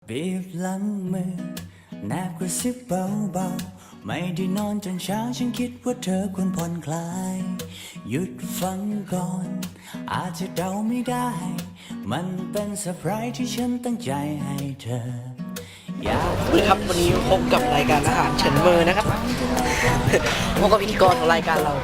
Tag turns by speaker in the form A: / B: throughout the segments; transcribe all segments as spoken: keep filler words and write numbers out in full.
A: บีบหลังมือแนบกระซิบเบาๆไม่ได้นอนจนเช้าฉันคิดว่าเธอควรผ่อนคลายหยุดฟังก่อนอาจจะเดาไม่ได้มันเป็นเซอร์ไพรส์ที่ฉันตั้งใจให้เธออยาก
B: สวัสดีครับวันนี้พบกับรายการอาหารเฉินเมอนะครับ พบกับพิธีกรของรายการเรา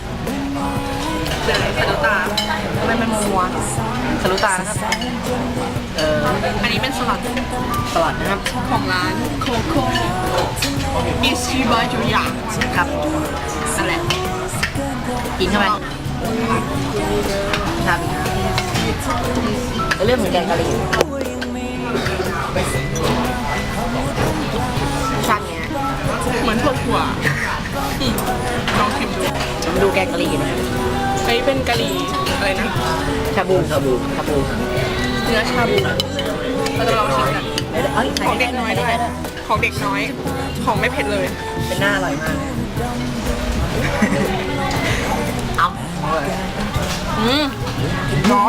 B: เลยสะดุตาทำไมมันมัวสะดุตานะครับเอออันนี้เป็นสลัดสลัดนะครับของร้านโคโค่อิชิบะจูยะครับนั่นแหละกินเข้าไปครับเรื่องเหมือนแกงกะหรี่ชาติเนี้ย
C: เหมือนถั่วถั่วลองชิมดู
B: มาดูแกงกะหรี่หน่อย
C: อันนี้เป็นกะหรี่อะไรนะ
B: ชาบูชาบูชาบู
C: เนื้อชาบูเราจะลองชิมกัน
B: เอ้ย
C: ของเด็กน้อยด้วย ของเด็กน้อย ของไม่เผ็ดเลย
B: เป็นหน้าอร่อยมากเอา
C: อืมร้อน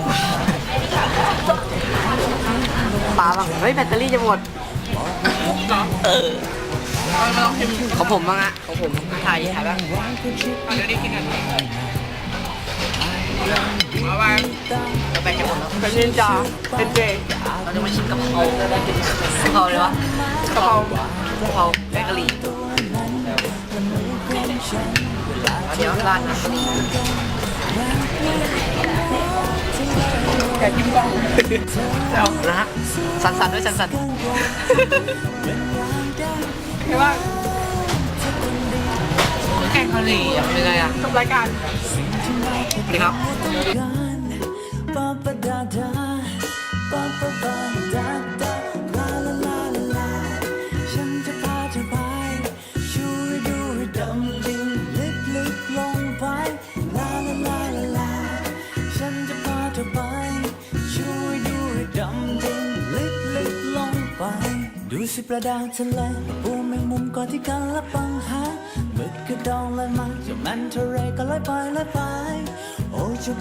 B: ปลาบ้างเฮ้ยแบตเตอรี่จะหมด
C: เหรอ
B: เออ
C: เอามาลองชิม
B: ของผมบ้างอะของผมถ่ายถ่ายบ้าง
C: เอาเดี๋ยวได้กินกันเอาไป
B: แบตจะหมดแล้ว
C: เป็นนินจาเป็นเจ
B: เราจะมาชิมกะเพรากะเพราเลยวะ
C: กะเพราก
B: ะเพราแกงกะหรี่เอาเดี๋ยวราดน้ำกะหรี่
C: แกะจิ้มกล้องเอา
B: นะฮะสั่นๆด้วยสั่น
C: ใช่ว่า
B: ๆแกงกะหรี่อะเป็นไงอะ
C: จบรายการ
B: สวัสดีครับ
A: ปาปาดาดาปาปาปาดาดาลาลาลาลาลาฉันจะพาเธอไปช่วยดูให้ดำดิ่งลึกลึกลงไปลาลาลาลาลาฉันจะพาเธอไปช่วยดูให้ดำดิ่งลึกลึกลงไปดูสิปลาดาวทะเลปูแมงมุมก่อนที่กันละปังหาหมึกกระดองลอยมาเจ้ามันทะเลก็ลอยไปลอยไปโอ้